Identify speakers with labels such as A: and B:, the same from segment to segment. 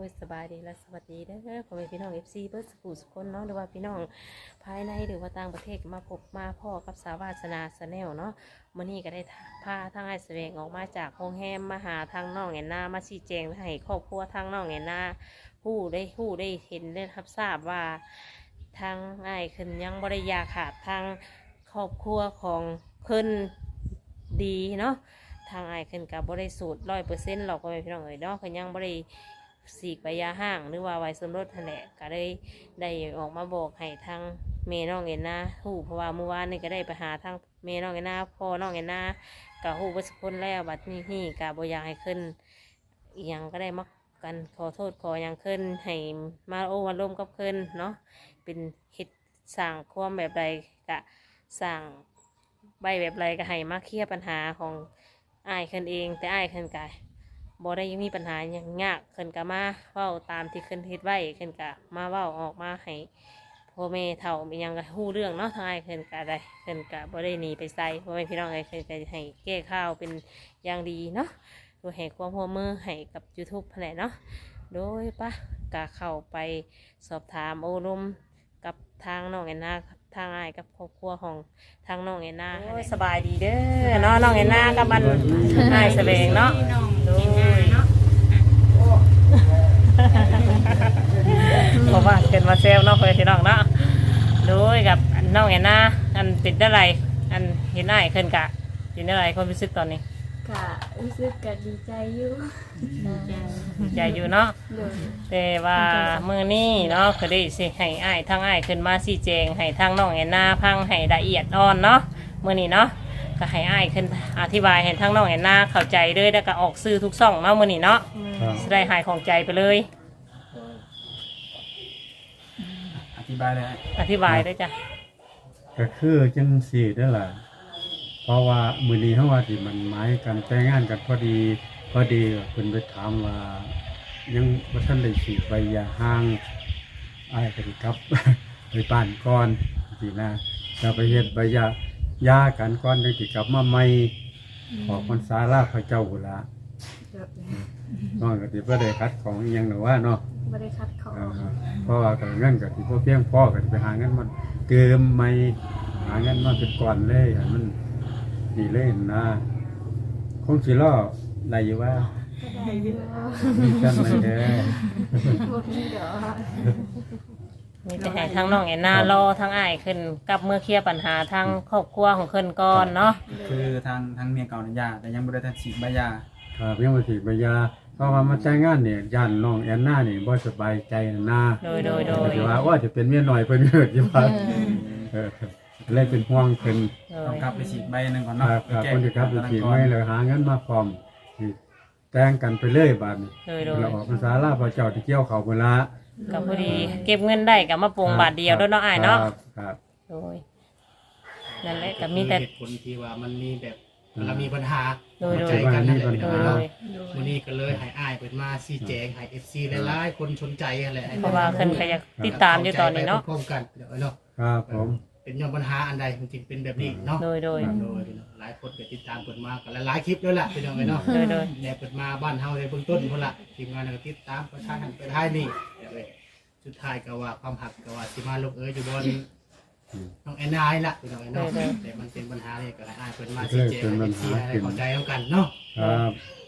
A: ยสบายดีและสวัสดีเด้อพ่อแม่พี่น้องFCเบิร์ดสกูสุกคนเนาะหรือว่าพี่น้องภายในหรือว่าต่างประเทศมาพบมาพ่อกับสาวาสนาสแนลเนาะมื้อนี้ก็ได้พาทางไอ้แสวงออกมาจากโรงแรมมาหาทางน้องแอนนามาชี้แจงให้ครอบครัวทางน้องแอนนาฮู้ได้เห็นได้รับทราบว่าทางไอ้ขึ้นยังบ่ได้ยาขาดทางครอบครัวของเพิ่นดีเนาะทางไอ้ขึ้นกับ่ได้สูตร100%หรอกพ่อแม่พี่น้องเอ๋ยเนาะเพิ่นยังบ่ได้สีกใบยาห้างหรือว่าไวสมรสนั่นแหละก็ได้ออกมาบอกให้ทางเมน้องเอ็นนาฮู้เพราะว่าเมื่อวานนี่ก็ได้ไปหาทางเมน้องเอ็นนาพ่อน้องเอ็นนาก็ฮู้ว่าสักคนแล้วบัดนี้ก็บ่อยากให้ขึ้นอีหยังก็ได้มักกันขอโทษขอหยังขึ้นให้มาโอ้มาร่วมกับขึ้นเนาะเป็นเฮ็ดสร้างความแบบใดก็สร้างใบแบบไรก็ให้มาเคลียร์ปัญหาของอ้ายขึ้นเองแต่อ้ายขึ้นก็บ่ได้ยังมีปัญหาอย่างยากขึ้นก็มาเว้าตามที่ขึ้นเฮ็ดไว้ขึ้นก็มาเว้าออกมาให้พ่อแม่เฒ่ามีหยังก็ฮู้เรื่องเนาะทางอ้ายขึ้นก็ได้ขึ้นก็บ่ได้หนีไปไสพ่อแม่พี่น้องเอ้ยขึ้นก็ให้แก้ข่าวเป็นอย่างดีเนาะโดยให้ความร่วมมือให้กับ YouTube นั่นแหละเนาะโดยปะก็เข้าไปสอบถามโอ้ลมกับทางน้องแอนนาทางอ้ายกับครอบครัวของทางน้องแอนนาสบายดีเด้อเนาะน้องแอนนากับมันอ้ายแสวงเนาะโดยเพราะว่าเกิดมาเซลเนาะเพื่อนพี่น้องเนาะโดยกับน้องแอนนาอันเป็นอะไรอันเห็นอ้ายขึ้นกะเป็นอะไรความรู้สึกตอนนี้
B: กะรู้สึกกะดีใจอยู่
A: ใจอยู่เนาะ
B: โดย
A: แต่ว่ามื้อนี้เนาะก็ได้สิให้อ้ายทางอ้ายขึ้นมาชี้แจงให้ทางน้องแอนนาพังให้ละเอียดอ่อนเนาะมื้อนี้เนาะก็ให้อ้ายขึ้นอธิบายให้ทางน้องแอนนาเข้าใจเลยแล้วก็ออกสื่อทุกช่องเนาะมื้อนี้เนาะสิได้หายของใจไปเลย
C: อธิบายเลย
A: อธิบายด้วยจ้ะ
D: ก็คือจังสี่นั่นแหละเพราะว่ามื้อนี้เฮาว่าสิมันหมายกันแต่งงานกันพอดีเพิ่นไปถามว่ายังบ่ทันได้สิใบยาห้างอ้ายก็สิกลับ ไปบ้านก่อนสินะจะไปเฮ็ดใบยากันก่อนจังสิกลับมาใหม่ขอพรรษาลาพระเจ้าพุ่นล่ะน้องก็สิบ่ได้คัดของอีหยังหรอกว่าเนาะ
B: ไม่ได้คัดขอ
D: เพราะว่าก็เงินก็สิบ่เพียงพอก็สิไปหาเงินมาเติมใหม่หาเงินมาเป็นก่อนเลยให้มันนี่เลยนะคงสิรอได้อยู่ว่า
B: ได้อยู่
D: มีจำไม่ได้
B: บ่มีดอก
A: มีแต่ให้ทางน้องแอนนารอทางอ้ายขึ้นกับเมื่อเคลียร์ปัญหาทางครอบครัวของขึ้นก่อนเนาะ
C: คือทางเมียเก่าเนี่ยยาแต่ยังไม่ได้ทันฉีดใบยา
D: ครับยังบ่สิใบยาเพราะว่ามาแต่งงานเนี่ยย่านน้องแอนนานี่บ่สบายใจนะ
A: โดย
D: สิว่าจะเป็นเมียน้อยเพิ่นเกิดอยู่ว่าเลยเป็นห่วงเพิ่น
C: ต้องกลับไปฉีดใบนึงก่อนเนาะ
D: ครับคนสิครับไปฉีดไม่เลยหาเงินมาพร้อมสิแต่งกันไปเลยบาดนี้เราออกพรรษาลาพระเจ้าที่เกี่ยวเขาพุ่นละ
A: ก็พอดีเก็บเงินได้ก็มาปรุงบาทเดียวด้วยเนาะอ้ายเนาะ
D: ครับ
A: โดยนั่นแหละก็มีแต่
E: เหตุผลที่ว่ามันมีแบบเรามีปัญหา
D: ใจ
E: กันนั่นแหละวันนี้ก็เลยให้อ้ายเปิดมาชี้แจงให้ FC หลายๆคนสนใจอะไร
A: เพราะว่าเพิ่นก็อยากติดตามอยู่ตอนนี้เนาะ
E: พร้อมกันเนาะ
D: ครับผม
E: เป็นย้อนปัญหาอันใดมันจึงเป็นแบบนี้เนาะ
A: โดย
E: หลายคนก็ติดตามเปิดมากันหลายคลิปแล้วล่ะพี่น้องเนาะเนี่ยเปิดมาบ้านเฮาในเบื้องต้นพุ่นละทีมงานก็ติดตามประชาชนไปท้ายนี่สุดท้ายก็ว่าความหักก็ว่าสิมาลงอยู่บนน้องแอนนาล่ะพี่น้องเนาะแต่มันเป็นปัญหาเลยก็ให้อ้ายเปิดมาชี้แจงให้ เข้าใจกันเนาะ
D: ครับ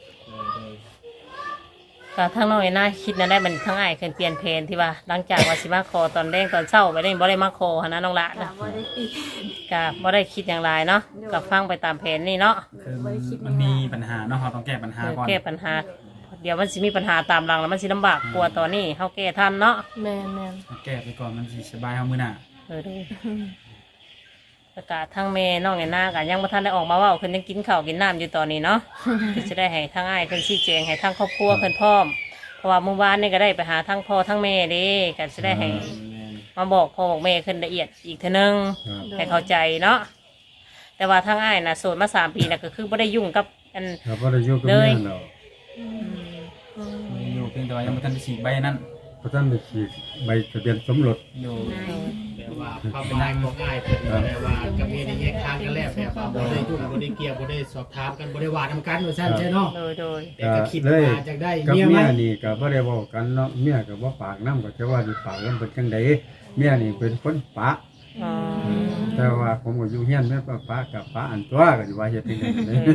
A: ก็ทางน้องไอ้น่าคิดนั่นได้มันทั้งอ้ายเคยเปลี่ยนเพลนที่ว่าหลังจากว่าสิมาคอตอนแรกตอนเช้าไปได้บ่ได้มาคอหั่นนะน้องละ
B: นะบ่ได้คิด
A: ก็บ่ได้คิดอย่างไรเนาะก็ฟังไปตามแผนนี่เนาะ
C: คือมันมีปัญหาเนาะเราต้องแก้ปัญหาก่อน
A: แก้ปัญหาเดี๋ยวมันสิมีปัญหาตามหลังแล้วมันสิลำบากกลัวตอนนี้เฮาแก้ทันเนาะ
B: แม่
C: แก้ไปก่อนมันสิสบายเฮามื้อหน้า
A: ประกาศทางเมน้องไอ้นาก็ยังบ่ทันได้ออกมาเว้าเพิ่นยังกินข้าวกินน้ำอยู่ตอนนี้เนาะจะได้ให้ทางอ้ายเพิ่นชี้แจงให้ทางครอบครัวเพิ่นพร้อมเพราะว่าเมื่อวานนี่ก็ได้ไปหาทั้งพ่อทั้งแม่เด้ก็จะได้ให้มาบอกพ่อบอกแม่ขึ้นละเอียดอีกเท่านึงให้เข้าใจเนาะแต่ว่าทางอ้ายน่ะโสดมา3 ปีน่ะก็คือบ่ได้ยุ่งกับอัน
D: เลย
C: อยู่เพียงแต่ว่ายังบ่ทันได้ฉีดใบนั้น
D: บ่ทันได้ฉีดใบทะเบียนสมรส
E: แบบว่าว่าความเป็นนายของอ้ายเพิ่นแต่ว่ากับเมียนี่แยกทางกันแล้วแบบว่าบ่ได้ยุ่งบ่ได้เกี่ยวบ่ได้สอบถามกันบ่ได้ว่านํกันว่าซั่นใช่เนาะ
A: โดย
E: แต่ก็คิด
D: เลย
E: ว่าจะได้
D: กับ
E: เมีย
D: เมี
E: ไหม
D: ยนี่ก็บ่ได้เว้ากันเนาะเมียก็บ่ปากนำก็จะว่าสิปากกันเป็นจังไดเมียนี่เป็นคนปะ
A: อ๋อ
D: แต่ว่าผมก็อยู่เฮียนแม่ปะกับปะอันตัวก็สิว่าเฮ็ดจังได๋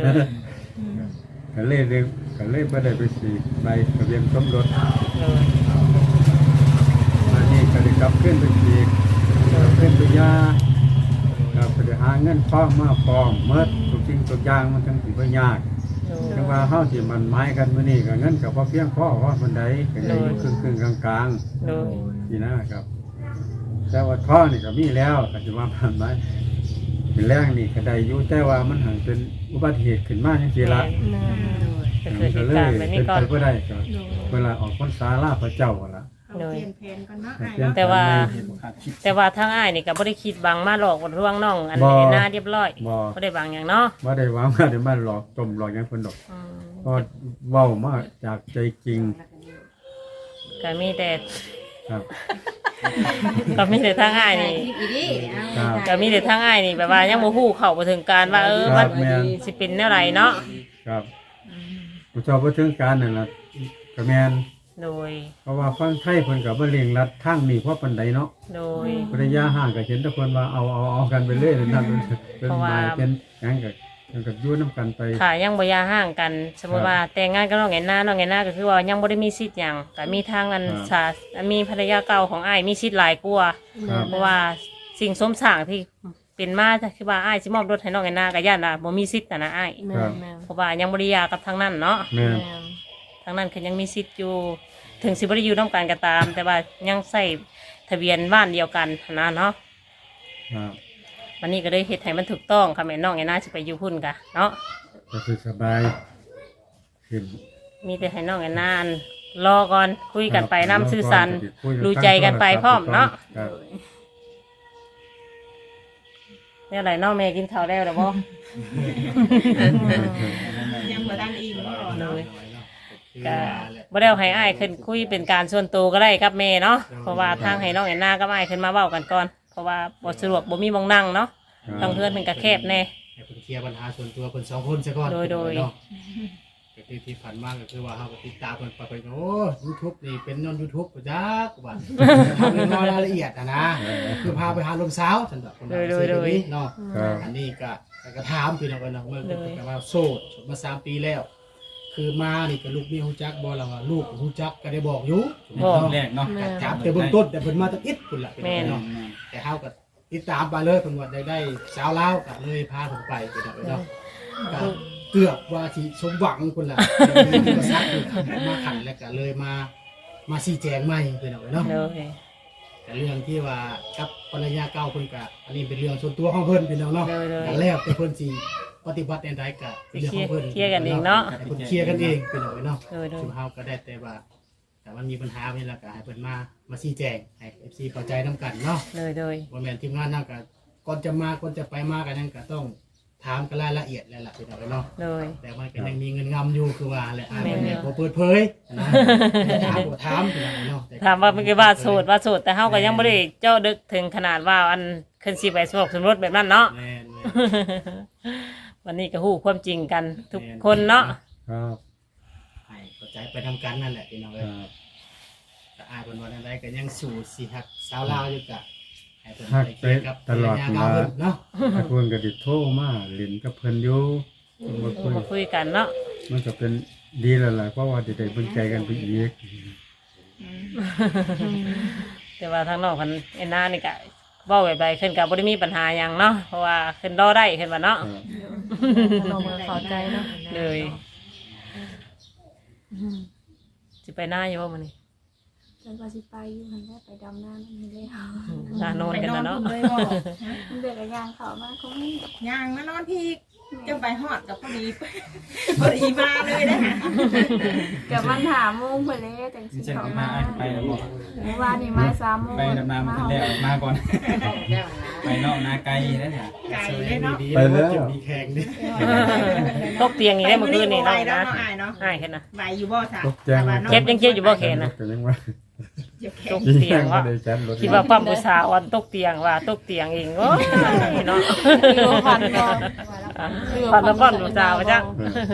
D: ก็เลยบ่ได้ไปสิไปทะเบียนสมรส
A: โดย
D: อันนี้ก็ได้กลับขึ้นไปอีกกลับขึ้นไปยาก็ไปหาเงินฟ้องมาฟ้องเมื่อทุกสิ่งทุกอย่างมันทั้งสิบ่ยาก
A: โดย
D: จังว่าเฮาสิมันหมายกันมื้อนี้ก็เงินก็บ่เพียงพอว่ามันใดก็ได้อยู่ครึ่งๆกลาง
A: โดย
D: ๆนี่นะครับ แต่ว่าท้อนี่ก็มีแล้วก็สิว่ามันหมายเป็นแรงนี่ก็ได้อยู่แต่ว่ามันหังเป็นอุบัติเหตุขึ้นมาจังซี่ละ
A: ก็คือเห
D: ก็
A: ตุ
D: เล
A: การ
D: ย
A: ณ์แบบ
D: เป็
A: นี้
D: น
A: ก่อ
D: ไป
A: น
D: บ่ได้ก็เวลาออกพรรษาลาพระเจ้าหั่นล่ะ
B: เอาเปลี่ยนแผนก่อนเนาะ
D: เปลี่ยน
A: แต่ว่า
C: เหตุบ่คาดคิด
A: แต่ว่าทางอ้ายนี่ก็บ่ได้คิดบังมาหลอกว่าร่วงน้องอัน
D: บ่
A: นี้หน้าเรียบร้อย
D: บ่
A: บ่ได้บังหยังเนาะ
D: บ่ได้ว่ามาเดี๋ยวมาหลอกต้มหลอกหยังเพิ่นดอก
A: อืม
D: ก็เว้ามาจากใจจริง
A: ก็มีแต่
D: ครับ
A: ก็มีแต่ทางอ้ายนี่
B: อีดิ
D: ครับ
A: ก็มีแต่ทางอ้ายนี่แบบว่ายังบ่ฮู้เข้าบ่ถึงการว่ามัน
D: แม่น
A: สิเป็นแนวใดเนาะ
D: ครับผู้ชอบบ่ถึงการนั่นล่ะก็แม่น
A: โดย
D: เพราะว่าฟังไทยเพิ่นก็บ่เร่งรัดทางนี้เพราะปานใดเนาะ
A: โดย
D: ภรรยาห่างก็เห็นแต่เพิ่นว่าเอากันไปเลยนั่นเป็น
A: เพราะ
D: ห
A: ว่า
D: มายเป็นหยังก็มันก็อยู่นํกันไป
A: ค่ะยังบ่ยาห่างกัน สมมุติว่าแต่งงานกับน้องแอนนาก็คือว่ายังบ่ได้มีสิทธิ์หยังก็มีทางอันสามีภรรยาเก่าของอ้ายมีสิทธิ์หลายกว่า
D: ครับ
A: เพราะว่าสิ่งสมสร้างที่เป็นมาคือว่าอ้ายสิมอบรถให้น้องแอนนาก็ย่านว่าบ่มีสิทธิ์นะอ้าย
D: ครับ
A: เพราะว่ายังบ่ได้หย่ากับทางนั้นเนาะ
D: แม่น
A: ทางนั้นคือยังมีสิทธิ์อยู่ ถึงสิบ่ได้อยู่ร่วมกันก็ตาม แต่ว่ายังใส่ทะเบียนบ้านเดียวกันนะเนาะ
D: ครับ
A: วันนี้ก็เลยเฮ็ดให้มันถูกต้องค่ะแม่น้องแอนนาสิไปอยู่พุ่นกะเนาะ
D: ก็คือสบายขึ้น
A: มีแต่ให้น้องแอนนานรอก่อนคุยกันไปน้ำซื่อสัน
D: คุย
A: รู้ใจกันไปพร้อมเนาะ
D: ครับ
A: เนี่ยอะไรน้องแม่กินข้าวแล้วหรือบ่
B: ยังบ่ทันอิ่มบ่เนาะ
A: ก็บ่ได้เอาให้อ้ายขึ้นคุยเป็นการส่วนตัวก็ได้กับแม่เนาะเพราะว่าทางให้น้องแอนนากับอ้ายขึ้นมาเว้ากันก่อนเพราะว่าบ่สะดวกบ่มีหมองนั่งเนาะทางเพื่อนมันก็แคบแน่
E: ให้เพิ่นเคลียร์ปัญหาส่วนตัวเพิ่น2คนซะก่อน
A: โดย
E: เนาะก็ที่ผ่านมาก็คือว่าเฮาก็ติดตามเพิ่นไปโอ้ YouTube นี่เป็นย้อน YouTube บ่จักว่าทำเรื่องรายละเอียดนะคือพาไปหาลมสาวซั่นดอกคนเนาะ
D: ครับ
E: อันนี้ก็ถามพี่น้องกันเนาะเมื่อกี้ก็ว่าโสดมา3 ปีแล้ว คือมานี่ก็ลูกนี่ฮู้จักบ่ล่ะว่าลูกฮู้จักก็ได้บอกอยู่
C: แรกเนาะ
E: จับแต่เบื้องต้นแต่เพิ่นมาตั้งอิดพุ่นล่ะพี่น้องเนาะแต่เฮาก็ติดตามไปเลยเพิ่นว่าได้สาวลาวก็เลยพาเพิ่นไปพี่น้องเนาะก็เกือบว่าสิสมหวังพุ่นล่ะที่ว่าซักอยู่มาขันแล้วก็เลยมาชี้แจงใหม่พี่น้องเนาะ
A: เลย
E: แต่เรื่องที่ว่ากับภรรยาเก่าเพิ่นก็อันนี้เป็นเรื่องส่วนตัวของเพิ่นพี่น้องเนาะ
A: เลย
E: แต่แล้วแต่เพิ่นสิปฏิบัติในใดก็เป็นเรื่องของเพิ่น
A: เคลียร์กันเองเนาะ
E: ให้เพิ่นเคลียร์กันเองพี่น้องเนาะ
A: เลย
E: สุเฮาก็ได้แต่ว่าแต่มันมีปัญหานี่แหละก็ให้เพิ่นมาชี้แจงให้ FC เข้าใจนํกันเนาะ
A: เลย
E: ว่าแม่นทีมงานนำก็ก่อนจะมาก่อนจะไปมากันนั่นก็ต้องถามกันรายละเอียดแล้วล่ะพี่น้องเนาะ
A: เลย
E: แต่มันก็ยังมีเงินงำอยู่คือว่าแหละบ่แม่นบ่เปิดเผยนะถามบ่ถามพี่น้องเนาะ
A: ถามว่าเป็นว่าโสดแต่เฮาก็ยังบ่ได้เจาะลึกถึงขนาดว่าอันขึ้นสิไปสมรสแบบนั้นเนาะ
E: แม่น
A: วันนี้ก็ฮู้ความจริงกันทุกคนเนาะ
D: ครับ
E: ให้เข้าใจไปทำกันนั่นแหละพี่น้อง
D: ค
E: เอ้ย
D: รับ
E: ก็อายเพิ่นว่าจังไดก็ยังสู่สิฮักสาวลาวอยู่กะให้เพิ่น
D: ฮัก
E: ไป
D: ไป
E: เกี่ยวกับ
D: ตลอด
E: ภรรยาเก่าเพิ่นเนาะ
D: ถ้าเพิ่นก็สิโทรมาเล่นกับเพิ่นอยู่มาคุย
A: มาคุยกันเนาะ
D: มันก็เป็นดีแล้วล่ะเพราะว่าจะได้เบิ่งใจกันไปอีก
A: แต่ว่าทางน้องคนแอนนานี่ก็เว้าแบบใดขึ้นก็บ่ได้มีปัญหาหยังเนาะเพราะว่าขึ้นรอได้ขึ้นว่าเนาะ
D: ครับ
B: เรามาเข้าใจเนาะ
A: เลยสิไปหน้าอยู่บ่มื้อนี้
B: จังว่าสิไปอยู่หั่นแหละไปดำน้านั่นเลย
A: หน้าโนนกันนะเนาะ
F: เลยบอก
B: มันเดือดกระยางเข้ามาคงนี่
F: ย่างมานอนพี่จะไปหอดกับพอดี พอดีมาเลยนะ
B: กับมันถามโมงไปเลยจังสิ
C: เช่น
B: เข้า
C: มา
B: มา
C: ไปแล้วบ่
B: เมื่อวานนี่มา3 โมง
C: ไปดำน้ำมันแรกมาก่อน ไปนอกนาไกลได้ค่ะ
F: ไก่เลยเนาะ
E: ดีๆแล้วจะมีแข่งดิ
A: ตกเตียงอีกได้เมื่อคืนนี่
F: ไหว
A: เนาะ
F: เนาะ
A: นะ
F: อายเนาะ
A: อ้ายขึ้นนะ
F: ไหวอยู่บ่ค่ะ
D: ตกแจ้ง
A: เจ็บยังเจ็บอยู่บ่แขนน่ะ
D: ก็ยังว่า
A: ตก
D: จริง
A: เตียง
D: ๆบ่
A: ว่า
D: ได้จัดรถ
A: คิดว่าปั๊มผู้สาวอันตกเตียงว่าตกเตียงเองโอ้ยเนาะ
B: คือว่าพันก็
A: ปันแล้วปั้นผู้สาวจัง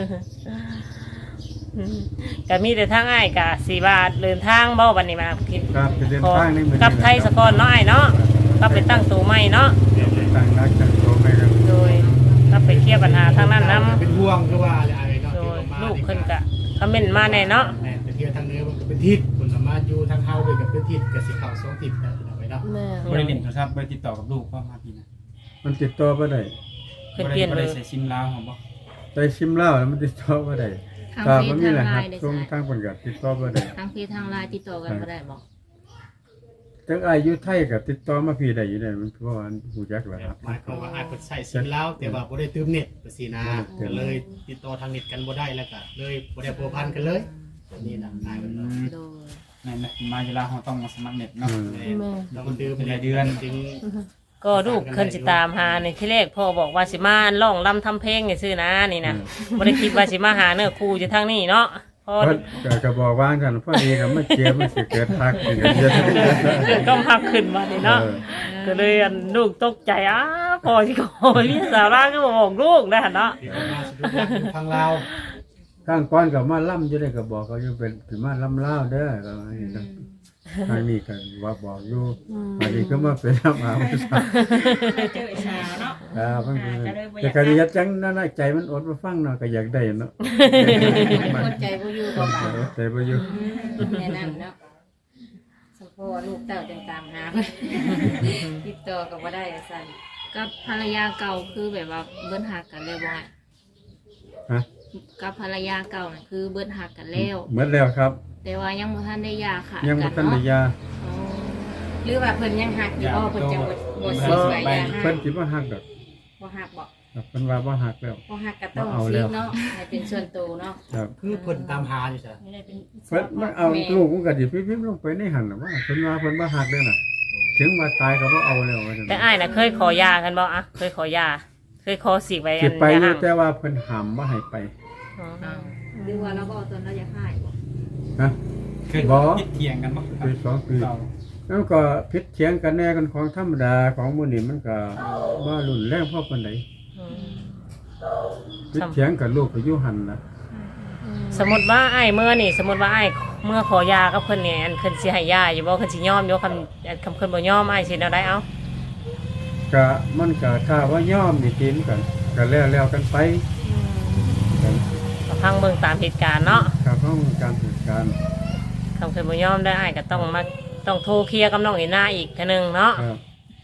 A: ก็มีแต่ทางอ้ายกะสิว่าเดินทางบ่บัดนี้มาคิด
D: ครับไปเดินทางนี่
A: กับไทยสกอนเนาะอ้ายเนาะก็ไปตั้งตัวใหม่เนาะ
D: ตั้งรักตั้งตัวไม่กัน
A: โดยก็ไปเคลียร์ปัญหาทางนั้นนํ
E: เป็นห่วงคือว่าอะไรเนาะ
A: โด
E: ที่
A: ย
E: มา
A: ลูกเพิ่นก็คอมเมนต์มาแน่เนาะ
E: แม่ไปเที่ยวทางเหนือมันก็เป็นทิศคนสามารถอยู่ทางเฮาไปกับเป็นทิศกับสิเข้าสองทิศได้เอาไว้เนาะ
B: แม่
C: บ่ได้เล่นโทรศัพท์บ่ได้ติดต่อกับลูกก็มาพี่นะ
D: มันติดต่อบ่ได้
A: เพิ่นเปลี่ยน
C: บ่
A: เล
C: ได้
A: ย
C: ใส่ซิมลาวของบ่
D: ได้ชิมเหล้าแล้วมันติดต่อบ่ได้
G: ทาง
D: ถ้า
G: เฟ
D: บ่
G: ซ
D: มี
G: ทาง
D: ร
G: ไล
D: หัส
G: น์ได้
D: ส่ง
G: ใช่
D: ทางเพิ่นก็ติดต่อบ่ได้
G: ทางเฟซทางไลน์ติดต่อกันบ่ได้บอก
D: จังอายุไทยก็ติดต่อมาพี่ได้อยู่ได้มันเพราะว่าฮู้จักแล้วครับ
E: หมายความว่าอาจเพิ่นใส่ซิมแล้วแต่ว่าบ่ได้เติมเน็ตไปสินะก็เลยติดต่อทางเน็ตกันบ่ได้แล้วก็เลยบ่ได้พัวพันกันเลยนี่นะนายเพิ่นเนาะ
G: โดย
C: นั่นนะมาเวลาเราต้องมาสมัครเน็ตเนาะ
B: แม่
E: ต้องดื่ม
C: เป็นรายเดือน
E: ถึง
A: ก็ลูกเพิ่นสิตามหาในที่แรกพ่อบอกว่าสิมาร้องรำทำเพลงนี่ซื่อนะนี่นะบ่ได้คิดว่าสิมาหาเนื้อคู่อยู่ทางนี้เนาะพอ
D: เพิ่นก็บอกว่ากันพอดีก็มาเจียมันสิเกิดทักอีกเยอะ
A: เกิดก็พักขึ้นมานี่เนาะก็เลยอันลูกตกใจพอสิขอพี่สาวร่างก็บอกลูกนะเนาะ
E: ที่เขามาสะดวกทางลาว
D: ข้างก้อนก็มาล่ำอยู่ได้ก็บอกเขาอยู่เป็นสิมาล่ำลาวเด้อก็ว่าอย่างนั้นทางนี้ก็ว่าบอกอยู่อันนี้ก็มาเป็นล่ำอาผู้สาว
F: เจอสาวเนาะ
D: เพิ่นแต่ก็อยากจังนั่นน่ะใจมันอดมาฟังเนาะก็อยากได้เนาะ
G: คนใจบ่อยู่ก็บ่า
D: ใจบ่อยู่
G: แนะนำเนาะสมพอลูกเต้าจังตามหา ติดต่อก็บ่ได้สั่นกับภรรยาเก่าคือแบบว่าเบิ้นหักกันแล้วบ่ไง
D: ฮะ
G: กับภรรยาเก่าน่ะคือเบิ้นหักกันแล้ว
D: หมดแล้วครับ
G: แต่ว่ายังบ่ทันได้หย่าค่ะ
D: ยังบ่ทันได้ยา
G: อ๋อหรือว่าเพิ่นยังหักอยู่บ่เพิ่นจะบ่สิสวยยาให้
D: เพิ่นสิบ่ฮักดอก
G: บ่หักบ่
D: ครับเพิ่นว่าบ่ฮักแล้ว
G: บ่หักก็ต้อง
D: เอา
G: ซี
D: แล้ว
G: เนาะให้เป็นส่วนตัวเนาะ
D: ครับ
E: คือเพิ่นตามหาอยู่จ้ะ
G: ไม่ได้เป็น
D: เพิ่นมันเอาลูกมันก็สิพิมพ์ลงไปในหั่นน่ะว่าเพิ่นว่าเพิ่นบ่ฮักเด้อน่ะ ถึงว่าตายก็บ่เอาแล้วว่าจัง
A: แต่อ้ายน่ะเคยขอยากันบ่อะเคยขอยาเคยขอสิไว้
D: สิ
A: อัน
D: ไป
A: ยา
D: อยู่
A: ห้าม
D: แต่ว่าเพิ่นห้ามบ่ให้ไป
A: อ๋อ
G: อ้าวหรือว่าเราก็เอาตอนเราอยากให้บ่
D: ฮะ
C: เคย
D: บ่
C: คิดเถียงกันบ่ครับ
D: ปีสองปี
C: เก่า
D: แล้วก็พิษเถียงกันแน่กันของธรรมดาของมื้อนี้มันก็บ่รุนแรงพอปานใด
A: อืม
D: พิษเถียงกับลูกก็อยู่หั่นน่ะ
A: สมมุติว่าอ้ายเมื่อนี่สมมุติว่าอ้ายเมื่อขอยากับเพิ่นนี่อันเพิ่นสิให้ยาอยู่บ่เพิ่นสิยอมอยู่คำอันคำเพิ่นบ่ยอมอ้ายสิเอาได้เอา
D: ก็มันก็ถ้าว่ายอมนี่กินกันก็แล้วกันไปกัน
A: ก็พังเบิ่งตามเหตุการณ์เนาะ
D: ครับของการจัดการ
A: คำเพิ่นบ่ยอมได้อ้ายก็ต้องมาต้องโทรเคลียร์กับน้องอีน่าอีกเทื่อนึงเนาะ
D: ครับ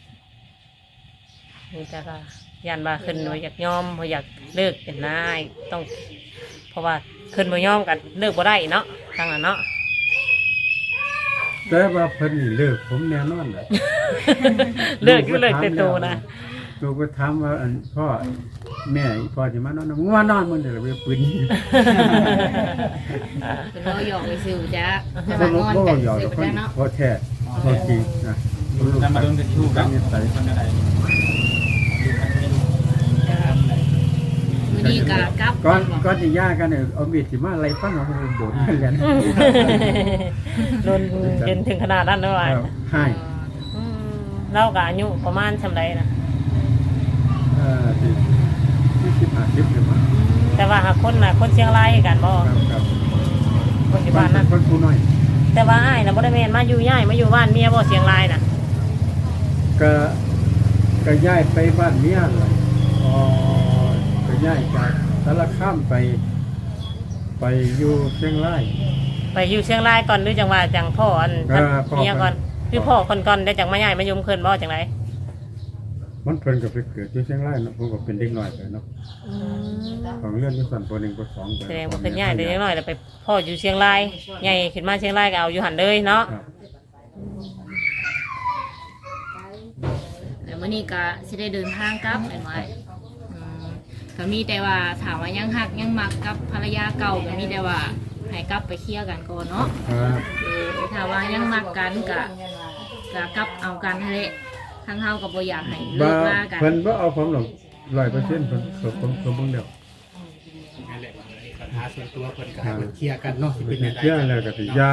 A: นี่จ้ะก็ยันว่าขึ้นบ่อยากยอมบ่อยากเลิกเป็นนายต้อง เพราะว่าขึ้นบ่ยอมกันเลิกบ่ได้เนาะทางนั้นเนาะ
D: แต่ว่าเพิ่นนี่เลิกผมแน่นอนแหละ
A: เลิกอยู่เลิกแต่โตนะ
D: ลูกก็ถามว่าอันพ่อแม่อีพ่อสิมานอนมึงว่านอนมึงเดี๋ยวเราไปปืนยิง
G: เป็นเราหยอกไปซิวจ้ะแต่
D: บ่
G: ว่างอน
D: บ่
G: กัน
D: หยอก
G: ซิว
D: คน
G: จ้ะเนาะ
D: บ่แท้บ่จริงนะลูก
C: แล้วมาโดนกันที่ลูก
D: กั
C: กัน น
D: นิสัย
C: มันก็ได้
G: มื้อนี้ก็กลับ
D: ก่อนสิย่ากันเนี่ยเอามีดสิมาไล่ฟันเอาไปโดนกันแล้ว
A: โดนจนถึงขนาดนั้นเลยว่ะ
D: ให้
A: อืมเราก็อายุประมาณซำใดนะ
D: ที่50หรือมั้ง
A: แต่ว่าหากคนน่ะคนเชียงรายคือกันบ่
D: ครับ
A: คนที่บ้านนั้น
D: คนผู้น้อย
A: แต่ว่าอ้ายน่ะบ่ได้แม่นมาอยู่ย้ายมาอยู่บ้านเมียบ่เชียงรายน่ะ
D: ก็ก็ย้ายไปบ้านเมียเลยก็ย้ายจากสารคามไปอยู่เชียงราย
A: ไปอยู่เชียงรายก่อนหรือจังว่าจังพ่ออัน
D: พ่อ
A: เมียก่อนคือพ่อคนก่อนได้จังมาย้ายมาอยู่เพิ่นบ่จังได
D: มันเพิ่นก็ไปเกิดอยู่เชียงรายเนาะผมก็เป็นเด็กน้อยไปเนาะของเรื่องที่สั่นป .1 ป .2 ไป
A: แสดงว่าเพิ่นย้ายได้จังน้อยแล้วไปพ่ออยู่เชียงรายใหญ่ขึ้นมาเชียงรายก็เอาอยู่หั่นเลยเนาะ
D: ครับ
G: แล้วมื้อนี้ก็สิได้เดินทางกลับแม่นว่าก็มีแต่ว่าถามว่ายังหักยังมักกับภรรยาเก่าก็มีแต่ว่าให้กลับไปเคลียร์กันก่อนเนาะ
D: ครับ
G: ถ้าว่ายังมักกันก็กลับเอากันนั่นแหละทางเฮาก็บ่อยากให้เลิ
D: บ่
G: กลากัน
D: เพิ่นบ่เอาผมหรอก100%เพิ่นผมเบิ่งแล้ว
E: นั่นแหละปัญหาส่วนตัวเพิ่นก็ให้เพิ่นเคลียร์กันเนาะสิเป็นจังได
D: เชื่อแล้วก็สิยา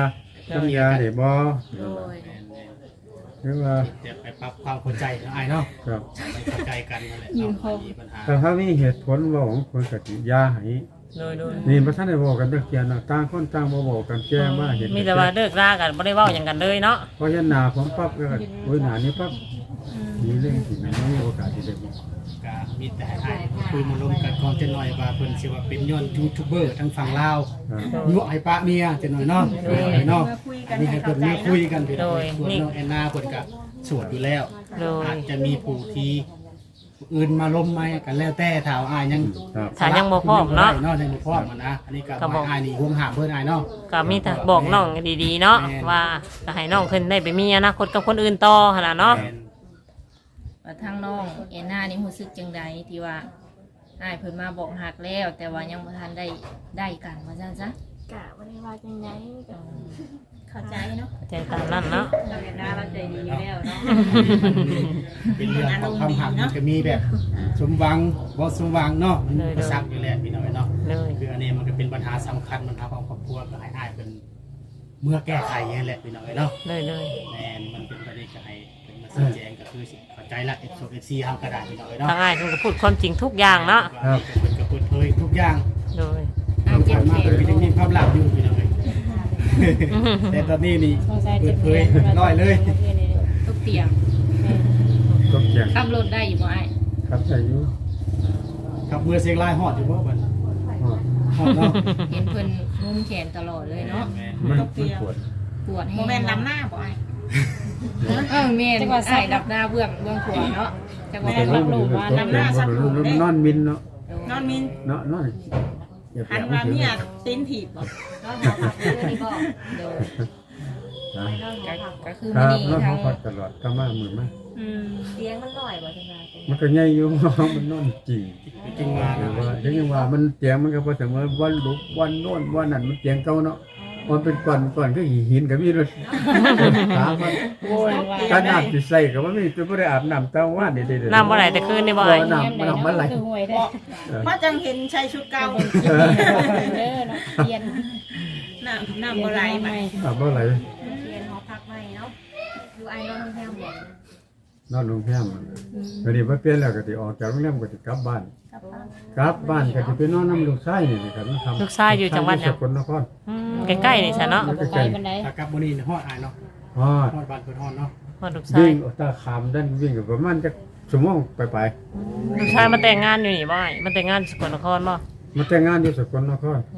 D: สัญญาได้บ่
G: โดย
D: หรือว่า
E: เดี๋ยวไปปรับความเข้าใจเนาะอ้ายเนาะ
D: ครับ
E: ไปเข้าใจกันนั่นแหละเนาะมีปัญหา
D: แต่ถ้ามีเหตุผลเว้าของคนก็สิยาให้
A: โดย
D: นี่บ่ทันได้เว้ากันจักเที่ยนะต่างคนต่างบ่เว้ากันแก้มาเห็น
A: มีแต่ว่าเลิกรากันบ่ได้เว้าหยังกันเลยเนาะ
D: พอเห็นหน้าผมปั๊บก็โอ้ยหน้านี้ปั๊บมีเรื่องที่มันบ่มีโอกาสที่ได้บอก
E: ก็มีแต่ให้คุยมาลงกันก่อนจะหน่อยว่าเพิ่นสิว่าเป็นย้อนยูทูบเบอร์ทั้งฝั่งลาว
D: ครับ
E: ยั่วให้ปะเมียจะหน่อยเนาะเนาะ
F: เมื่อคุยกัน
E: นี่
F: ให้
E: ให้เพิ่
F: เข้าน ใจ
E: มาคุยกันพี่น้อง
A: โดย
E: ส่วนน้องแอนนาเพิ่นก็สวดอยู่แล้ว
A: โดย
E: อาจจะมีผู้ที่อื่นมาล้มไหมกันแล้วแต่ถ้าอ้ายยัง
D: ครับ
A: ถ้ายังบ่พร้อมเนาะ
E: เนาะยังบ่พร้อมอะนะอันนี้ก็
A: ก็บอก
E: อ้ายนี่ห่วงหาเพิ่นอ้ายเนาะ
A: ก็มีแต่บอกน้องดีๆเนาะว่าก็ให้น้องขึ้นได้ไปมีอนาคตกับคนอื่นต่อหั่นน่ะเนาะ
E: แม่น
G: ว่าทางน้องเอ็นนานี่รู้สึกจังใดที่ว่าอ้ายเพิ่นมาบอกหักแล้ว แต่ว่ายังบ่ทันได้กันว่าซั่นซะ
B: กะบ่ได้ว่าจังไดก็
F: เข้าใจเนาะ
A: ใจตามนั้นเนาะ
G: เราเอ็นนาเราใจดีอยู่แล้วเนาะ
E: เป็นเรื่องของความหักมันก็มีแบบสมหวังบ่สมหวังเนาะมันก็ซักอยู่แล้วพี่น้องเนาะ
A: เลย
E: คืออันนี้มันก็เป็นปัญหาสำคัญปัญหาของครอบครัวก็ให้อ้ายเป็นเมื่อแก้ไขอย่างนี้แหละพี่น้องเนาะ
A: เลย
E: แม่นมันเป็นประเด็นก็ให้เป็นมาชี้แจงก็คือสิเข้าใจละ FC เฮาก็ได้พี่น้องเนาะ
A: ทางอ้ายเพิ่นก็พูดความจริงทุกอย่างเนาะ
E: ครับเพิ่นก็เปิดเผยทุกอย่าง
A: โดย
E: ทางผ่านมาเพิ่นก็ยังมีความลับอยู่พี่น้องเอ้ยแต่ตอนนี้นี่เปิดเผยร้อยเลย
G: ทุกเตียง
D: ก็เกี่ยง
G: ขับรถได้อยู่บ่อ้าย
D: ครับอายุ
E: ครับเมื่อเสียงลายฮอดอยู่บ่บัด
D: ฮอด
E: ฮอดเนาะ
G: เห็นเพิ่นงุ้มแขนตลอดเลยเนาะ
D: มันปวด
G: ปวด
F: โม
G: แห้ง
F: เมนต์ล้ำหน้าบ่ไอ้
G: แม่นอ้ายดับหน้าเบื้องขวาเนาะจังหวะ
D: มัน
G: รับรู้ว่าน้ำหน้า
D: นอนมินเนาะ
F: นอนมิน
D: เนาะนอนอย่า
F: หัน
D: แปล
F: มา
D: ว่า
F: เนี่ยตีนถีบบ่
G: โดย
D: นะ
G: ก็คือ
D: ค
G: มื้
D: รั
G: อบ นี้
D: แล้ว
G: ทา
D: เขา
G: ง
D: ก็ตลอดก็มามือมา
F: อืม
G: เตียงมันน้อยบ่จังได๋
D: มันก็ใหญ่อยู่ มันนอนจริง
E: จริงว่า
D: แต่ว่ายังว่ามันเตียงมันก็พอเสมอวันลุกวันโน่นวันนั้นมันเตียงเก่าเนาะมันเป็นก่อนก็หินกับมีรถถามมันโอ้ยการน้ำสิใส่ก็ว่ามีจะบ่ได้อาบน้ำตาว่านนี่เด้อ
A: น้ำบ่ไหลแต่คืนนี่บ่อ้าย
D: น้ำมันไหล
F: เพราะจังเห็นใช้ชุดเก่า
G: เด้อเนาะเตียง
F: น้ำบ่ไหลไป
D: น้ำบ่ไหล
G: เตียงหอพักใหม่เนาะอยู่ไอ้นอนแถวบ่
D: นอนโรงแรมวันนี้บ่เปลี่ยนแล้วก็สิออกจากโรงแรมก็สิกลับบ้านกลับบ้านก็สิไปนอนน้ำลูกชายนี่นะครับมันทำ
A: ลูกชายอยู่จังหวัดหยัง
D: สกลนคร
A: ใกล้ๆนี่ซะเนาะ
D: ใกล้
E: ถ้ากลับมื้อนี้ฮอดอ้ายเนาะ
D: ๆฮอด
E: ฮอดบ้านเพิ่นฮอดเนาะ
A: ว่าลูกชาย
D: วิ่งออกตาขามด้านวิ่งก็ประมาณจักชั่วโมงไป
A: ลูกชายมาแต่งงานอยู่นี่บ่อ้ายมันแต่งงานสกลนครบ่
D: ๆมาแต่งงานอยู่สกลนคร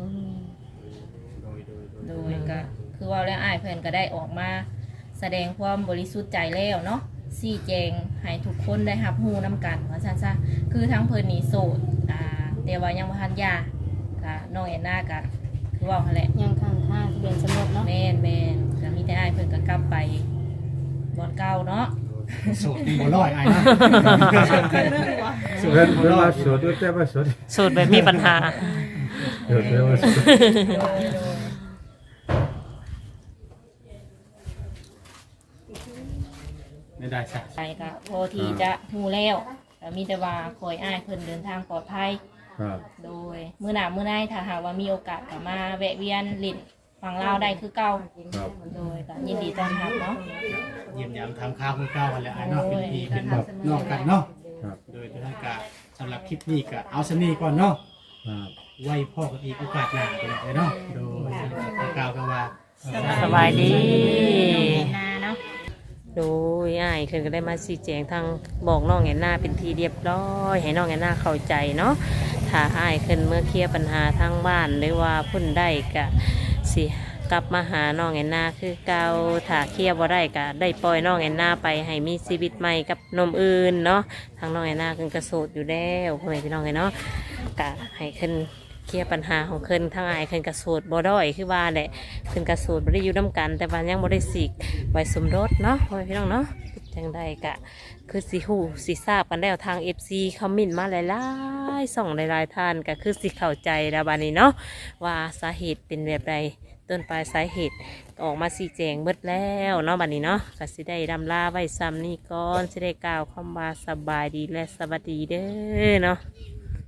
G: โดยก็คือว่าแล้วอ้ายเพิ่นก็ได้ออกมาแสดงความบริสุทธิ์ใจแล้วเนาะชี้แจงให้ทุกคนได้รับรู้นํกันว่าซั่นซะคือทั้งเพิ่นนี่โสดแต่ว่ายังบ่ทันหย่าก็น้องแอนนาก็คือว่าหั่นแหละ
B: ยังข้างทางทะเบียนสมรสเนาะ
G: แม่นก็มีแต่อ้ายเพิ่นก็กลับไปบ่อนเก่าเนาะ
E: โสดบ่ร้อยอ้ายเนาะ
D: เพิ่นว่าสวดด้วยแต่ว่าสวด
A: สูตรแบบมีปัญหา
D: เดี๋ยวแต่ว่าสวด
E: ไม่ได้ซะ
G: ไปก็พอที่จะฮู้แล้วก็มีแต่ว่าคอยอ้ายเพิ่นเดินทางปลอดภัย
D: ครับ
G: โดยมื้อหน้ามื้อในถ้าหากว่ามีโอกาสก็มาแวะเวียนลิ้นฟังลาวได้คือเก่า
D: ครับ
G: โดยก็ยินดีต้อนรับเนาะ
E: เยี่ยมยามทำข้าวคือเก่ากันแหล้วอ้ายเนาะเป็นพี่เป็นแบบนอกกันเนาะ
D: ครับ
E: โดยทางการสำหรับคลิปนี้ก็เอาสนี้ก่อนเนาะ
D: ครับ
E: ไว้พ่อกันอีกโอกาสหน้าไปเลยเนาะโดยกล่าวกันว่า
A: สบายดี
F: นาเนาะ
A: โดยอ้ายเพิ่นก็ได้มาชี้แจงทางบอกน้องแอนนาเป็นทีเรียบร้อยให้น้องแอนนาเข้าใจเนาะถ้าอ้ายเพิ่นเมื่อเคลียร์ปัญหาทางบ้านหรือว่าเพุ่นได้ก็สิกลับมาหาน้องแอนนาคือเก่าถ้าเคลียร์บ่ได้ก็ได้ปล่อยน้องแอนนาไปให้มีชีวิตใหม่กับหนมอื่นเนาะทางน้องแอนนาเพิ่นก็โสดอยู่แล้วพ่อแม่พี่น้องเนาะก็ให้เพิ่นเคลียร์ปัญหาของเพิ่นทางอ้ายเพิ่นก็โสดบ่ด้อยคือว่าแหละเพิ่นก็โสดบ่ได้อยู่นํกัน แต่ว่ายังบ่ได้สิกไว้สมรสเนาะพ่อแม่พี่น้องเนาะจังใดก็คือสิฮู้สิทราบกันแล้วทาง FC คอมเมนต์มาหลายๆส่องหลายๆท่านก็คือสิเข้าใจแล้วบัดนี้เนาะว่าสาเหตุเป็นแบบใดต้นปลายสาเหตุออกมาชี้แจงเบิดแล้วเนาะบัดนี้เนาะก็สิได้ดำลาไว้ซ้ำนี้ก่อนสิได้กล่าวคำว่าสบายดีและสวัสดีเด้อเนาะ